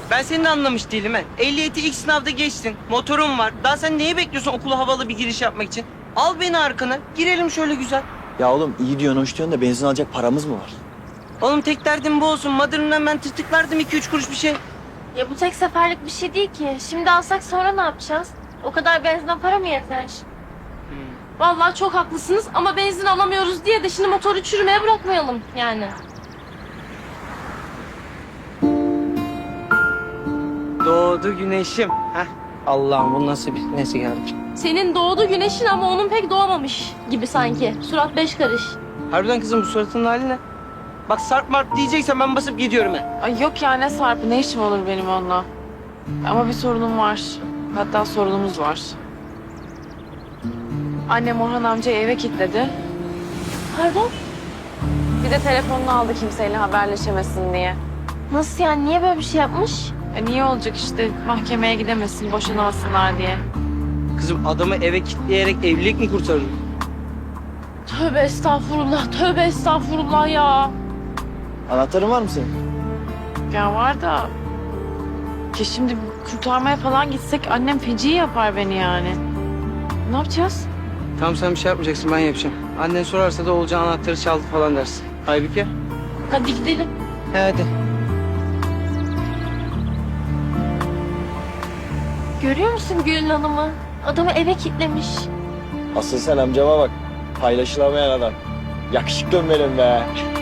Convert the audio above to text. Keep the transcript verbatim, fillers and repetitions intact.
Ben seni de anlamış değilim he. Ehliyeti ilk sınavda geçtin. Motorun var. Daha sen neyi bekliyorsun okula havalı bir giriş yapmak için? Al beni arkana. Girelim şöyle güzel. Ya oğlum iyi diyorsun, hoş diyorsun da benzin alacak paramız mı var? Oğlum tek derdim bu olsun. Mother'ından ben tırtıklardım iki üç kuruş bir şey. Ya bu tek seferlik bir şey değil ki. Şimdi alsak sonra ne yapacağız? O kadar benzine para mı yeter? Vallahi çok haklısınız ama benzin alamıyoruz diye de şimdi motoru çürümeye bırakmayalım yani. Doğdu güneşim. Heh. Allah'ım bu nasıl bir nesi geldi. Senin doğdu güneşin ama onun pek doğmamış gibi sanki. Surat beş karış. Harbiden kızım bu suratının hali ne? Bak sarp marp diyeceksen ben basıp gidiyorum he. Ay yok ya, ne Sarp'ı, ne işim olur benim onunla. Ama bir sorunum var. Hatta sorunumuz var. Annem Orhan amcayı eve kilitledi. Pardon? Bir de telefonunu aldı kimseyle haberleşemesin diye. Nasıl yani? Niye böyle bir şey yapmış? E niye olacak işte, mahkemeye gidemesin, boşanasınlar diye. Kızım adamı eve kilitleyerek evlilik mi kurtarır? Tövbe estağfurullah, tövbe estağfurullah ya. Anahtarın var mı senin? Ya var da... Ki şimdi kurtarmaya falan gitsek annem feci yapar beni yani. Ne yapacağız? Tamam sen bir şey yapmayacaksın ben yapacağım. Annen sorarsa da Oğulcan anahtarı çaldı falan dersin. Aybüke. Hadi gidelim. He hadi. Görüyor musun Gülün Hanım'ı? Adamı eve kilitlemiş. Asıl sen amcama bak. Paylaşılamayan adam. Yakışıklım benim be.